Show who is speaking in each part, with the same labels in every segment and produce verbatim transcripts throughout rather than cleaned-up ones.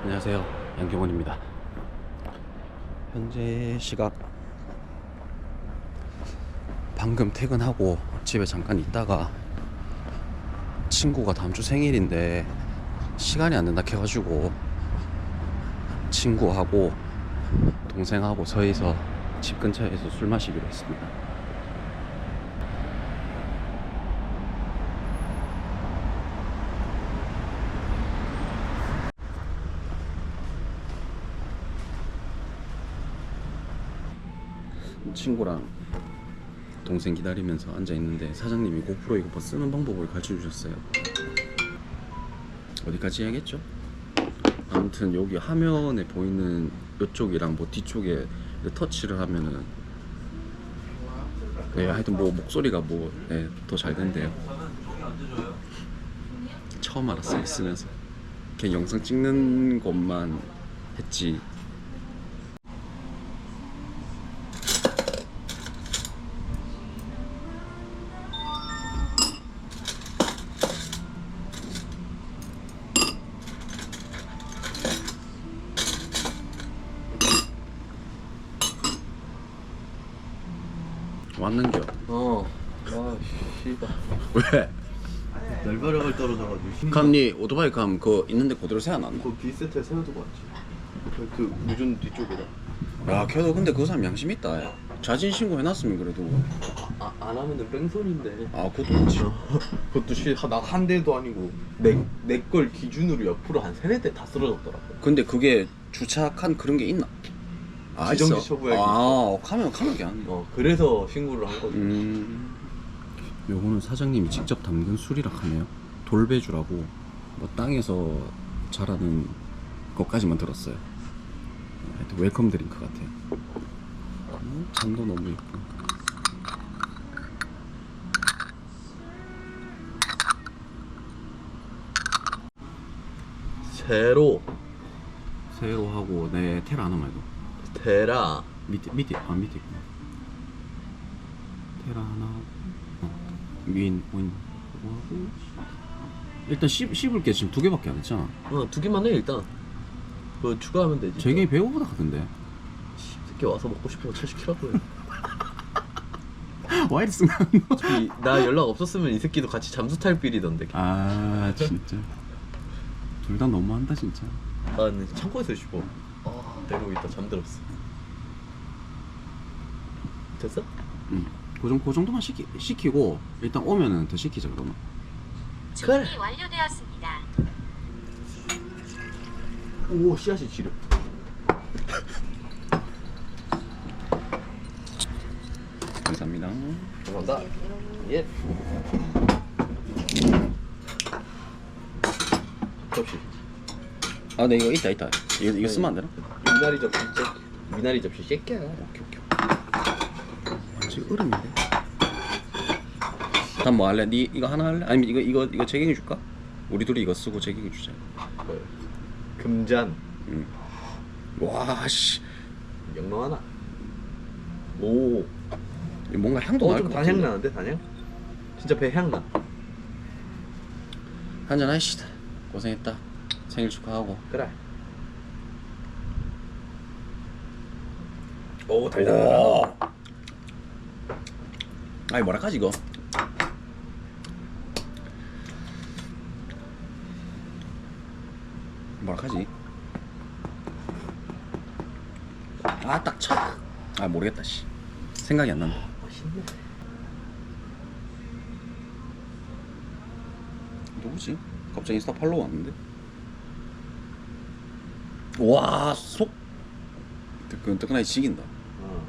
Speaker 1: 안녕하세요, 양경원입니다. 현재 시각 방금 퇴근하고 집에 잠깐 있다가 친구가 다음 주 생일인데 시간이 안 된다 해가지고 친구하고 동생하고 서해서 집 근처에서 술 마시기로 했습니다. 친구랑 동생 기다리면서 앉아 있는데 사장님이 고프로 이거 쓰는 방법을 가르쳐 주셨어요. 어디까지 해야겠죠? 아무튼 여기 화면에 보이는 이쪽이랑 뭐 뒤쪽에 터치를 하면은 네, 하여튼 뭐 목소리가 뭐 네, 더 잘 된대요. 처음 알았어요, 쓰면서. 그냥 영상 찍는 것만 했지. 왔는겨.
Speaker 2: 어. 아, 씨발.
Speaker 1: 왜?
Speaker 2: 날벼락을 떨어져가지고.
Speaker 1: 감니 오토바이 감 그거 있는데 그대로 세워놨나?
Speaker 2: 그 B세트에 세워두고 왔지. 그 무전 뒤쪽에다.
Speaker 1: 야, 걔도 근데 그 사람 양심 있다. 야. 자진 신고 해놨으면 그래도.
Speaker 2: 아, 안 하면은 뺑소니인데.
Speaker 1: 아, 그것도 그렇지.
Speaker 2: 그것도 씨, 나 한 대도 아니고 내 내 걸 기준으로 옆으로 한 세네 대 다 쓰러졌더라고.
Speaker 1: 근데 그게 주차한 그런 게 있나? 아,
Speaker 2: 지정지
Speaker 1: 있어.
Speaker 2: 처분할 게
Speaker 1: 아, 카면 카면 안.
Speaker 2: 어, 그래서 신고를 한 거지.
Speaker 1: 음. 요거는 사장님이 직접 담근 술이라 하네요. 돌배주라고 뭐 땅에서 자라는 것까지만 들었어요. 하여튼 웰컴 드링크 같아요. 음, 잔도 너무 예쁘고.
Speaker 2: 세로
Speaker 1: 세로 하고 내 테라 하나 말고
Speaker 2: 테라
Speaker 1: 밑에 밑에 아 밑에 있구나. 테라 하나 하고 어. 윈 윈 하고 일단 씹, 씹을 게 지금 두 개밖에 안 했잖아.
Speaker 2: 어, 두 개만 해 일단. 뭐 추가하면 되지.
Speaker 1: 제게 배고프다 하던데.
Speaker 2: 새끼 와서 먹고 싶은 거 철시키라고 해.
Speaker 1: 와 이리 순간.
Speaker 2: 어차피 나 연락 없었으면 이 새끼도 같이 잠수 탈 빌이던데.
Speaker 1: 아 진짜 둘 다 너무한다 진짜.
Speaker 2: 난 창고에서 씹어. 아, 내려오고 있다 잠들었어. 됐어?
Speaker 1: 응. 그, 정도, 그 정도만 시키, 시키고 일단 오면은 더 시키자 그러면.
Speaker 2: 그래.
Speaker 3: 준비 완료되었습니다.
Speaker 2: 오, 씨앗이 지려.
Speaker 1: 감사합니다.
Speaker 2: 감사합니다. 예. 접시.
Speaker 1: 아, 네 이거 있다 있다. 이거, 이거 쓰면 안 되나?
Speaker 2: 미나리 접시 째. 미나리 접시 새끼야.
Speaker 1: 오케이 오케이. 아, 지금 얼음인데. 다음 뭐 할래? 니 이거 하나 할래? 아니면 이거 이거 이거 재경이 줄까? 우리 둘이 이거 쓰고 재경이 주자.
Speaker 2: 그 금잔.
Speaker 1: 응. 와 씨.
Speaker 2: 영롱 하나. 오.
Speaker 1: 이거 뭔가 향도
Speaker 2: 어,
Speaker 1: 날
Speaker 2: 좀
Speaker 1: 것
Speaker 2: 단향
Speaker 1: 같은데.
Speaker 2: 나는데 단향? 진짜 배 향 나.
Speaker 1: 한잔 하시다. 고생했다. 생일 축하하고.
Speaker 2: 그래. 오, 달달하다.
Speaker 1: 오. 아니 뭐랄까지 이거. 뭐랄까지. 아 딱 쳐. 아 모르겠다 씨. 생각이 안 난다.
Speaker 2: 맛있네.
Speaker 1: 누구지? 갑자기 인스타 팔로우 왔는데? 와, 속 뜨끈뜨끈하게 지긴다.
Speaker 2: 어.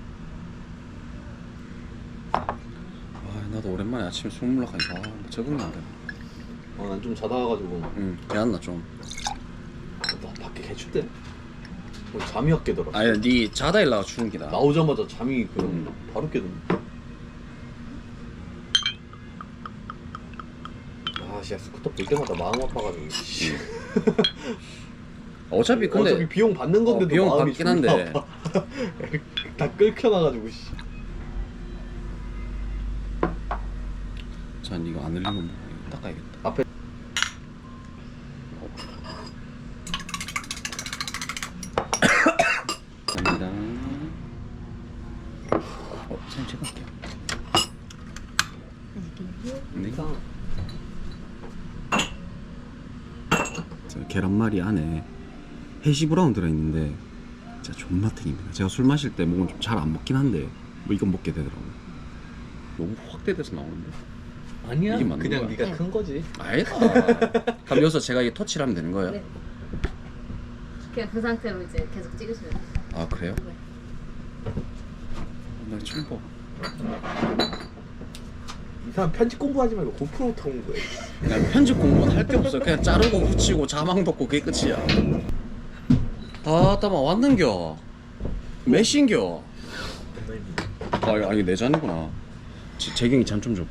Speaker 1: 아, 나도 오랜만에 아침에 술 먹으려니까 아, 적응이 안 되네.
Speaker 2: 어, 난 좀 자다 와가지고.
Speaker 1: 응, 배안나 좀.
Speaker 2: 나 밖에 개춥대. 오늘 잠이 확 깨더라.
Speaker 1: 아니, 니 자다 일라가 추운 기다.
Speaker 2: 나오자마자 잠이 그냥
Speaker 1: 음.
Speaker 2: 바로 깨더니. 아, 씨, 스쿠터 볼 때마다 마음 아파가지고. 씨.
Speaker 1: 어차피 근데
Speaker 2: 어차피 비용 받는 건데도
Speaker 1: 어, 비용
Speaker 2: 마음이
Speaker 1: 받긴 한데.
Speaker 2: 존나 아파. 다 끓여놔가지고. 씨.
Speaker 1: 전 이거 안 흘리면 뭐 닦아야겠다.
Speaker 2: 앞에
Speaker 1: 계란말이 안에 해시 브라운 들어있는데 진짜 존맛탱입니다. 제가 술 마실 때 먹으면 좀 잘 안 먹긴 한데 뭐 이건 먹게 되더라고요. 너무 확대돼서 나오는데?
Speaker 2: 아니야.
Speaker 1: 이게 맞는
Speaker 2: 그냥
Speaker 1: 거야?
Speaker 2: 네가 큰 거지.
Speaker 1: 아니다. 그럼 여기서 제가 이 터치를 하면 되는 거예요?
Speaker 3: 네. 그냥 그 상태로 이제 계속 찍으시면 돼요.
Speaker 1: 아 그래요?
Speaker 3: 네.
Speaker 1: 나 처음 봐.
Speaker 2: 이 사람 편집 공부하지 말고 고프로부터 공부해.
Speaker 1: 그냥 편집 공부는 할 게 없어. 그냥 자르고 붙이고 자막 넣고 그게 끝이야. 다다마 왔는겨. 몇신겨? 아 이거 아니 내 잔이구나. 제- 재경이 잔 좀 줘봐.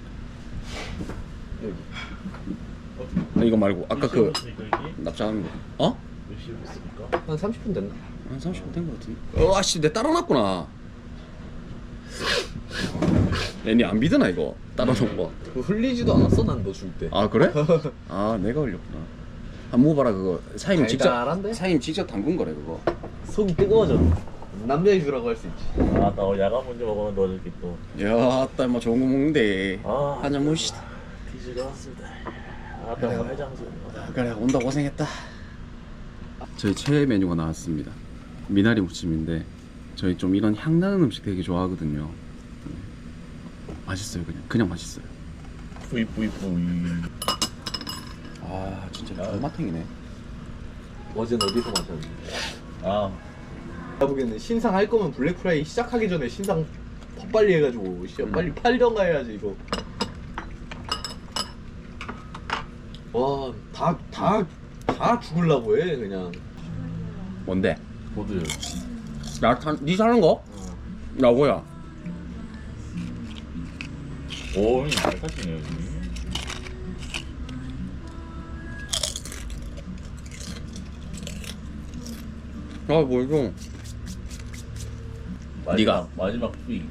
Speaker 2: 여기.
Speaker 1: 아, 이거 말고 아까 그 납작한 거. 어?
Speaker 2: 한 삼십 분 됐나?
Speaker 1: 한 삼십 분 된 거 같은데. 어, 아씨 내 따라놨구나. 애니 안 믿으나 이거 따라놓은 거.
Speaker 2: 그거 흘리지도 않았어 난 너 줄 때.
Speaker 1: 아 그래? 아 내가 흘렸구나. 한 먹어봐라 그거. 사장님 직접
Speaker 2: 달달한데?
Speaker 1: 사장님 직접 담근 거래 그거.
Speaker 2: 속이 뜨거워져. 남자의 주라고 할 수 있지.
Speaker 4: 아, 나 야간 먼저 먹으면 너들끼리 또.
Speaker 1: 야, 딸 뭐 좋은 거 먹는데.
Speaker 4: 아.
Speaker 1: 한잔 모시다.
Speaker 4: 뒤지러 왔습니다. 아, 나 해장소.
Speaker 1: 그래 온다 고생했다. 저희 최애 메뉴가 나왔습니다. 미나리 무침인데 저희 좀 이런 향 나는 음식 되게 좋아하거든요. 네. 맛있어요 그냥 그냥 맛있어요.
Speaker 4: 뿌이 뿌이 뿌이.
Speaker 1: 아 진짜 존맛탱이네.
Speaker 2: 어제는 어디서 마셨는데?
Speaker 4: 아,
Speaker 2: 내가 보기에는 신상 할 거면 블랙프라이 시작하기 전에 신상 더 빨리 해가지고 씨
Speaker 1: 음.
Speaker 2: 빨리 팔던가 해야지 이거. 와, 다 다 다 죽을라고 해 그냥.
Speaker 1: 뭔데?
Speaker 4: 보드.
Speaker 1: 나 타, 니 사는 거? 야 뭐야?
Speaker 4: 오, 형님 잘 사시네요, 형님.
Speaker 1: 아뭐 이거?
Speaker 4: 마지막,
Speaker 1: 네가.
Speaker 4: 마지막 뿌이.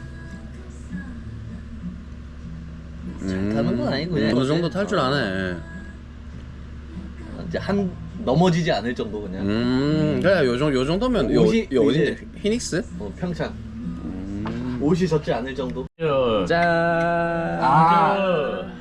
Speaker 1: 음,
Speaker 2: 타는 건 아니고 그냥
Speaker 1: 어느 정도 탈 줄 아네.
Speaker 2: 이제 한 넘어지지 않을 정도 그냥.
Speaker 1: 음 그래 요정 요 정도면 요,
Speaker 2: 옷이
Speaker 1: 요
Speaker 2: 이제-
Speaker 1: 어딘데? 피닉스?
Speaker 2: 어, 평창.
Speaker 1: 음.
Speaker 2: 옷이 젖지 않을 정도.
Speaker 1: 짠.
Speaker 2: 아.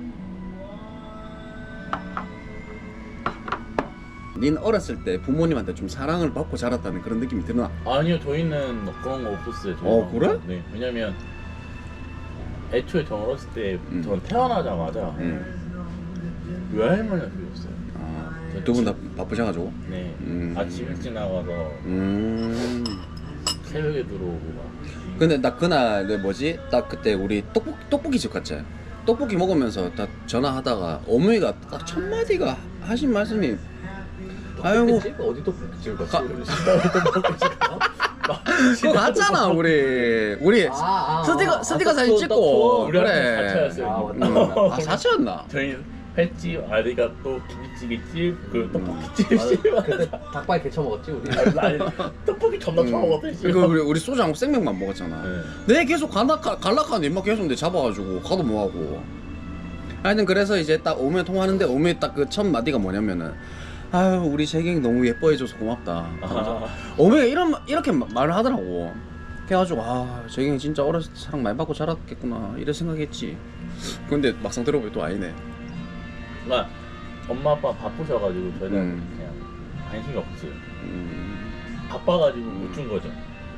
Speaker 1: 닌 어렸을 때 부모님한테 좀 사랑을 받고 자랐다는 그런 느낌이 드나?
Speaker 4: 아니요, 저희는 뭐 그런 거 없었어요. 저희
Speaker 1: 어, 그래?
Speaker 4: 네, 왜냐면 애초에 저 어렸을 때
Speaker 1: 음.
Speaker 4: 전 태어나자마자
Speaker 1: 응.
Speaker 4: 외할머니가 키웠어요.
Speaker 1: 아, 두 분 다 바쁘셔가지고.
Speaker 4: 네,
Speaker 1: 음.
Speaker 4: 아침 일찍 나가서
Speaker 1: 음.
Speaker 4: 새벽에 들어오고 막.
Speaker 1: 근데 나 그날 내 뭐지? 딱 그때 우리 떡볶 떡볶이 집 갔지. 떡볶이 먹으면서 딱 전화하다가 어머니가 딱 첫 마디가 하신 말씀이 아이고
Speaker 2: 떡볶이집? 어디 떡볶이집 갔지?
Speaker 1: 가-
Speaker 2: 우리 신나게 떡볶이집 가?
Speaker 1: 그거 갔잖아 우리 우리
Speaker 2: 아, 아,
Speaker 1: 스티커
Speaker 2: 아,
Speaker 1: 스티커
Speaker 2: 아,
Speaker 1: 사진
Speaker 2: 떡
Speaker 1: 찍고
Speaker 2: 투어.
Speaker 4: 우리한테
Speaker 1: 그래.
Speaker 4: 사차였어요.
Speaker 2: 아, 맞다,
Speaker 1: 음.
Speaker 2: 맞다.
Speaker 1: 아 사치였나?
Speaker 4: 저희 횟집, 아리가또, 김치찌개집, 그
Speaker 1: 음.
Speaker 4: 떡볶이집
Speaker 2: 아,
Speaker 4: 씨발.
Speaker 2: 그때 닭발 개쳐 먹었지 우리.
Speaker 4: 아니, 떡볶이 존나 처먹었대.
Speaker 1: 그 우리 우리 소주 한 생맥만 먹었잖아.
Speaker 4: 네.
Speaker 1: 내 계속 갈락하 갈락하는 입맛 계속 내 잡아가지고 가도 뭐하고. 하여튼 그래서 이제 딱 오면 통화하는데 오면 딱 그 첫 마디가 뭐냐면은 아유 우리 재경이 너무 예뻐해줘서 고맙다.
Speaker 4: 아,
Speaker 1: 오메가 이런 마- 이렇게 마- 말을 하더라고. 그래가지고 아 재경이 진짜 어렸을 때 사랑 많이 받고 자랐겠구나 이런 생각했지. 근데 막상 들어보니 또 아니네.
Speaker 4: 그러니까 엄마 아빠 바쁘셔가지고 저희는
Speaker 1: 음.
Speaker 4: 그냥 관심이 없어요.
Speaker 1: 음,
Speaker 4: 바빠가지고 못 준 거죠.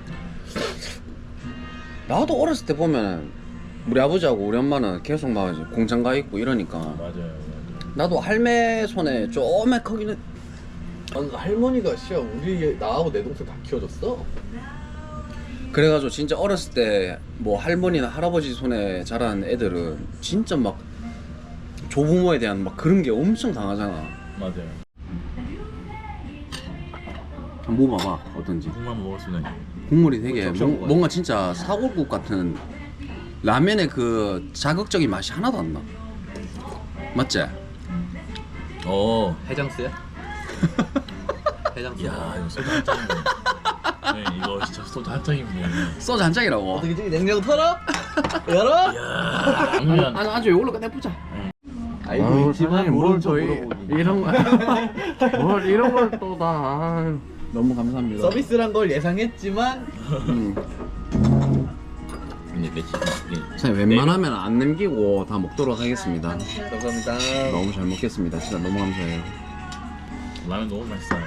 Speaker 1: 나도 어렸을 때 보면 우리 아버지하고 우리 엄마는 계속 막 이제 공장 가 있고 이러니까
Speaker 4: 맞아요, 맞아요.
Speaker 1: 나도 할매 손에 쪼매커기는
Speaker 2: 아니, 할머니가 씨야 우리 나하고 내 동생 다 키워줬어.
Speaker 1: 그래가지고 진짜 어렸을 때 뭐 할머니나 할아버지 손에 자란 애들은 진짜 막 조부모에 대한 막 그런 게 엄청 강하잖아.
Speaker 4: 맞아요.
Speaker 1: 한번 먹어봐 어떤지.
Speaker 4: 국만 먹을 수는
Speaker 1: 국물이 되게
Speaker 2: 적셔
Speaker 1: 뭐-
Speaker 2: 먹어야
Speaker 1: 뭔가 진짜 사골국 같은 라면의 그 자극적인 맛이 하나도 안 나. 맞지?
Speaker 4: 어.
Speaker 2: 해장스야? 해장스.
Speaker 4: 야, 이거 소주 한 잔이네. 네, 이거 진짜 소주 한 잔이네.
Speaker 1: 소주 한 잔이라고.
Speaker 2: 어떻게 지 냉장고 털어? 열어?
Speaker 4: 야, 당면.
Speaker 1: 아주 아주 이걸로 끝내보자.
Speaker 2: 알고 있지만 모른 척
Speaker 1: 저희
Speaker 2: 물어보기.
Speaker 1: 이런 거뭘 이런 걸 또 다. 너무 감사합니다.
Speaker 2: 서비스란 걸 예상했지만
Speaker 1: 음.
Speaker 4: 근데 며칠 네.
Speaker 1: 자, 웬만하면 안 남기고 다 먹도록 하겠습니다.
Speaker 2: 감사합니다.
Speaker 1: 너무 잘 먹겠습니다. 진짜 너무 감사해요.
Speaker 4: 라면 너무 맛있어요.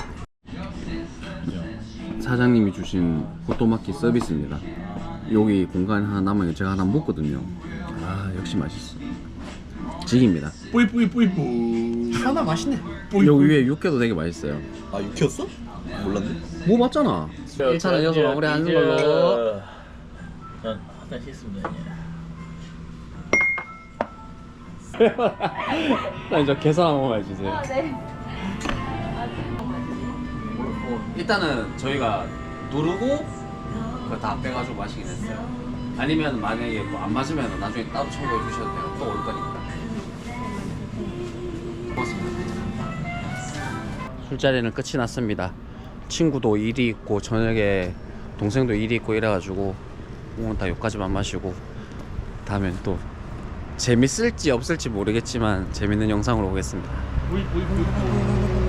Speaker 4: 그죠?
Speaker 1: 사장님이 주신 호또마키 서비스입니다. 여기 공간 하나 남아요. 제가 하나 먹거든요. 아 역시 맛있어. 직입니다.
Speaker 4: 뿌이 뿌이 뿌이 뿌이.
Speaker 2: 하나 맛있네.
Speaker 1: 여기 위에 육회도 되게 맛있어요.
Speaker 2: 아 육회였어? 몰랐네.
Speaker 1: 뭐 맞잖아. 일 차는 여기서 마무리하는 걸로.
Speaker 4: 난 화장실 있습니다.
Speaker 1: 나 이제 계산 한 번만 해주세요.
Speaker 3: 아, 네.
Speaker 1: 일단은 저희가 누르고 그거 다 빼가지고 마시긴 했어요. 아니면 만약에 뭐 안 맞으면 나중에 따로 첨부해 주셔도 돼요. 또 올 거니까. 고맙습니다. 술자리는 끝이 났습니다. 친구도 일이 있고 저녁에 동생도 일이 있고 이래가지고 오늘 다 여기까지만 마시고 다음엔 또 재밌을지 없을지 모르겠지만 재밌는 영상으로 오겠습니다.
Speaker 4: 뿌이 뿌이 뿌이 뿌이.